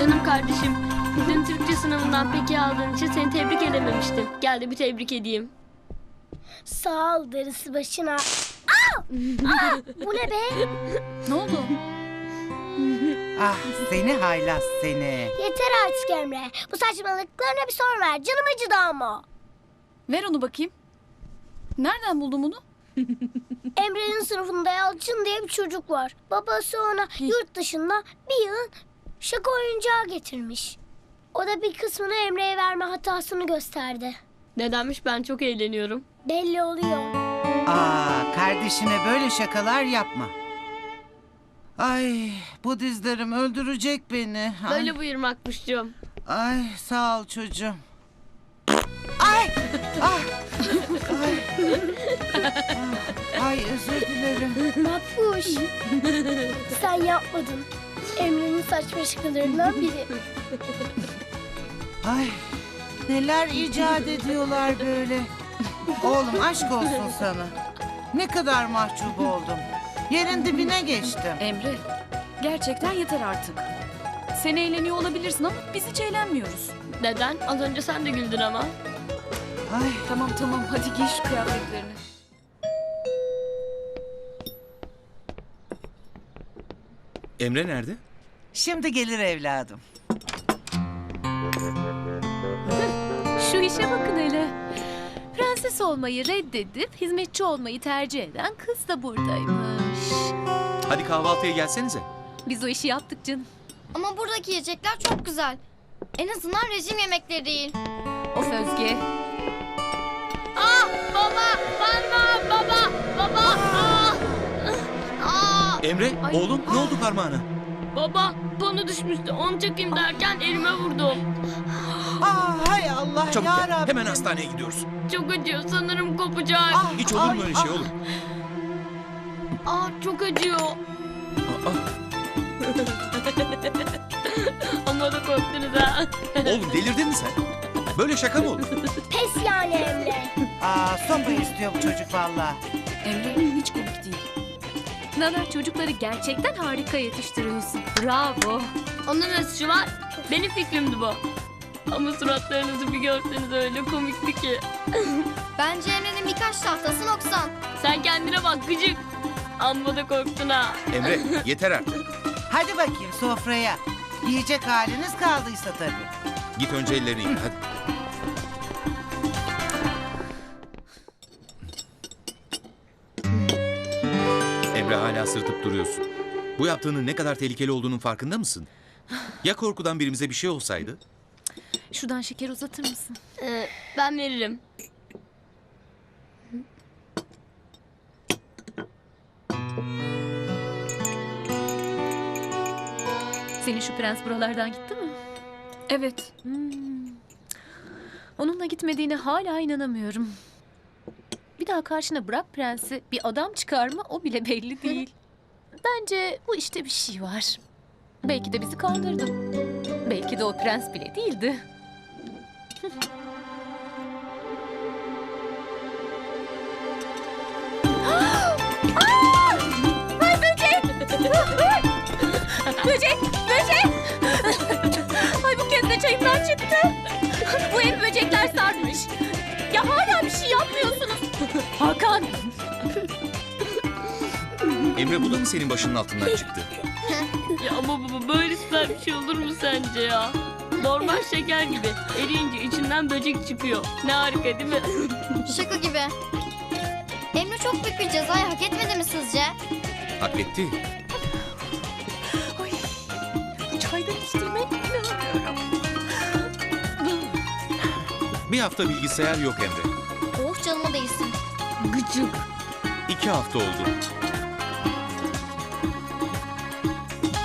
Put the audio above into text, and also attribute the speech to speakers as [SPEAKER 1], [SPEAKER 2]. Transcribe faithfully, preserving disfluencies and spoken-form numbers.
[SPEAKER 1] Canım kardeşim, dün Türkçe sınavından peki aldığın için seni tebrik edememiştim. Gel de bir tebrik edeyim.
[SPEAKER 2] Sağ ol, darısı başına. Aa! Aa! Bu ne be?
[SPEAKER 3] Ne oldu?
[SPEAKER 4] Ah seni haylaz seni.
[SPEAKER 2] Yeter artık Emre. Bu saçmalıklarına bir son ver. Canım acıdı ama.
[SPEAKER 3] Ver onu bakayım. Nereden buldun bunu?
[SPEAKER 2] Emre'nin sınıfında Yalçın diye bir çocuk var. Babası ona yurt dışından bir yığın şaka oyuncağı getirmiş. O da bir kısmını Emre'ye verme hatasını gösterdi.
[SPEAKER 1] Nedenmiş, ben çok eğleniyorum.
[SPEAKER 2] Belli oluyor.
[SPEAKER 4] Aa kardeşine böyle şakalar yapma. Ay bu dizlerim öldürecek beni. Ay,
[SPEAKER 1] Böyle buyurmakmışcığım.
[SPEAKER 4] ay sağ ol çocuğum. Ay! Ah! Ay! Ah, ay özür dilerim.
[SPEAKER 2] Makbuş. Sen yapmadın. Emre'nin saçma şakalarından biri.
[SPEAKER 4] Ay neler icat ediyorlar böyle. Oğlum aşk olsun sana. Ne kadar mahcup oldum. Yerin dibine geçtim.
[SPEAKER 3] Emre, gerçekten yeter artık. Sen eğleniyor olabilirsin ama biz hiç eğlenmiyoruz.
[SPEAKER 1] Neden? Az önce sen de güldün ama.
[SPEAKER 4] Ay
[SPEAKER 3] Tamam tamam, hadi giy şu kıyafetlerini.
[SPEAKER 5] Emre nerede?
[SPEAKER 4] şimdi gelir evladım.
[SPEAKER 6] Şu işe bakın hele. Prenses olmayı reddedip hizmetçi olmayı tercih eden kız da buradaymış.
[SPEAKER 5] Hadi kahvaltıya gelsenize.
[SPEAKER 6] Biz o işi yaptık canım.
[SPEAKER 7] Ama buradaki yiyecekler çok güzel. En azından rejim yemekleri değil.
[SPEAKER 6] Of Özge.
[SPEAKER 1] Ah baba, bana baba, baba. Ah!
[SPEAKER 7] Aa,
[SPEAKER 5] Emre,
[SPEAKER 1] Ay,
[SPEAKER 5] oğlum ne oldu parmağına?
[SPEAKER 1] Baba, bana düşmüştü. Onu çekeyim derken elime vurdum.
[SPEAKER 4] Aa hay Allah
[SPEAKER 5] Çabuk
[SPEAKER 4] ya
[SPEAKER 5] gel,
[SPEAKER 4] Rabbim.
[SPEAKER 5] hemen hastaneye gidiyoruz.
[SPEAKER 1] Çok acıyor, sanırım kopacak.
[SPEAKER 4] Ah,
[SPEAKER 5] Hiç olur mu
[SPEAKER 4] ay,
[SPEAKER 5] öyle şey
[SPEAKER 4] ah.
[SPEAKER 5] oğlum?
[SPEAKER 1] Ah, çok acıyor.
[SPEAKER 5] Aa,
[SPEAKER 1] Ama da korktunuz ha.
[SPEAKER 5] oğlum delirdin mi sen? Böyle şaka mı olur?
[SPEAKER 2] Pes yani Emre.
[SPEAKER 4] Aa sopa istiyor bu çocuk vallahi.
[SPEAKER 3] Emre, hiç komik değil.
[SPEAKER 6] Nana, çocukları gerçekten harika yetiştiriyorsun. Bravo.
[SPEAKER 1] Onun ne suçu var? Benim fikrimdi bu. Ama suratlarınızı bir görseniz öyle komikti ki.
[SPEAKER 7] bence Emre'nin birkaç tahtası noksan.
[SPEAKER 1] Sen kendine bak gıcık. Amma da korktun ha.
[SPEAKER 5] Emre, yeter artık.
[SPEAKER 4] Hadi bakayım sofraya. Yiyecek haliniz kaldıysa tabii.
[SPEAKER 5] Git önce ellerini yıka hadi. Emre, hala sırıtıp duruyorsun. Bu yaptığının ne kadar tehlikeli olduğunun farkında mısın? Ya korkudan birimize bir şey olsaydı?
[SPEAKER 6] Şuradan şeker uzatır mısın?
[SPEAKER 1] Ee, ben veririm.
[SPEAKER 6] Senin şu prens buralardan gitti mi?
[SPEAKER 3] Evet,
[SPEAKER 6] Hmm. Onunla gitmediğine hala inanamıyorum. Bir daha karşına bırak prensi, bir adam çıkar mı o bile belli değil. Bence bu işte bir şey var. Belki de bizi kandırdı. Belki de o prens bile değildi. Ay böcek! Böcek! Böcek! Ay bu kez de çayımdan çıktı. Bu ev böcekler sarmış. Ya hala bir şey yapmıyorsunuz. Hakan!
[SPEAKER 5] Emre, bu da mı senin başının altından çıktı?
[SPEAKER 1] Ya ama baba, böyle süper bir şey olur mu sence ya? Normal şeker gibi. Eriyince içinden böcek çıkıyor. Ne harika değil mi?
[SPEAKER 7] Şaka gibi. Emre çok büyük bir cezayı hak etmedi mi sizce?
[SPEAKER 5] Hak etti.
[SPEAKER 6] Ay, çaydan içtiğime inanamıyorum.
[SPEAKER 5] Bir hafta bilgisayar yok Emre.
[SPEAKER 7] Oh canıma değsin.
[SPEAKER 1] Gıcık.
[SPEAKER 5] İki hafta oldu.